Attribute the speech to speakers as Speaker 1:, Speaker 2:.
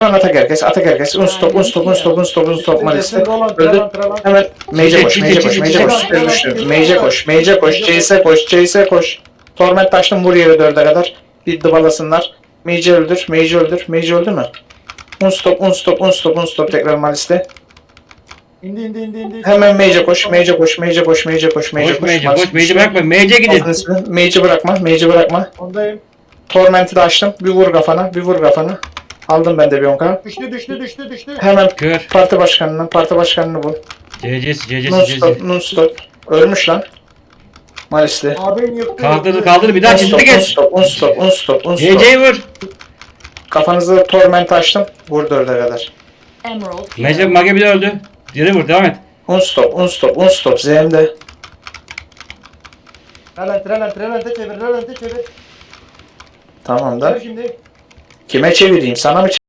Speaker 1: Atak herkes, atak herkes. Unstop, unstop, unstop, unstop, unstop Malis'te. Öldü. Hemen Mage'e koş, Mage'e koş, Mage'e koş. Süper düştü. Mage'e koş, Mage'e koş. Chase'e koş, Chase'e koş. Torment açtım, vur yere 4'e kadar. Bir dıbalasınlar. Mage'i öldür, Mage'i öldür. Mage öldü mü? Unstop, unstop, unstop, unstop tekrar Malis'te.
Speaker 2: İndi.
Speaker 1: Hemen Mage'e koş, Mage'e koş, Mage'e koş, Mage'e koş, Mage'e
Speaker 3: Koş
Speaker 1: koş.
Speaker 3: Mage'e koş. Mage'e bırakma. Mage'e gidin.
Speaker 1: Mage'i bırakma, Mage'i bırakma.
Speaker 2: Ondayım.
Speaker 1: Torment'i de açtım. Bir vur kafana, bir vur kafana. Aldım ben de bir 10k.
Speaker 2: Düştü.
Speaker 1: Hemen
Speaker 3: Kör.
Speaker 1: parti başkanını bul.
Speaker 3: CC'si.
Speaker 1: Non-stop. Ölmüş lan. Malis'te.
Speaker 2: Abim yıktı.
Speaker 3: Kaldır bir daha çizdi geç.
Speaker 1: Unstop.
Speaker 3: CC'yi vur.
Speaker 1: Kafanızı torment açtım. Vur 4'e kadar.
Speaker 3: Mage bir de öldü. Geri vur devam et.
Speaker 1: Unstop. ZM'de.
Speaker 2: Relente çevir.
Speaker 1: Tamam da.
Speaker 2: Çevir şimdi.
Speaker 1: Kime çevireyim? Sana mı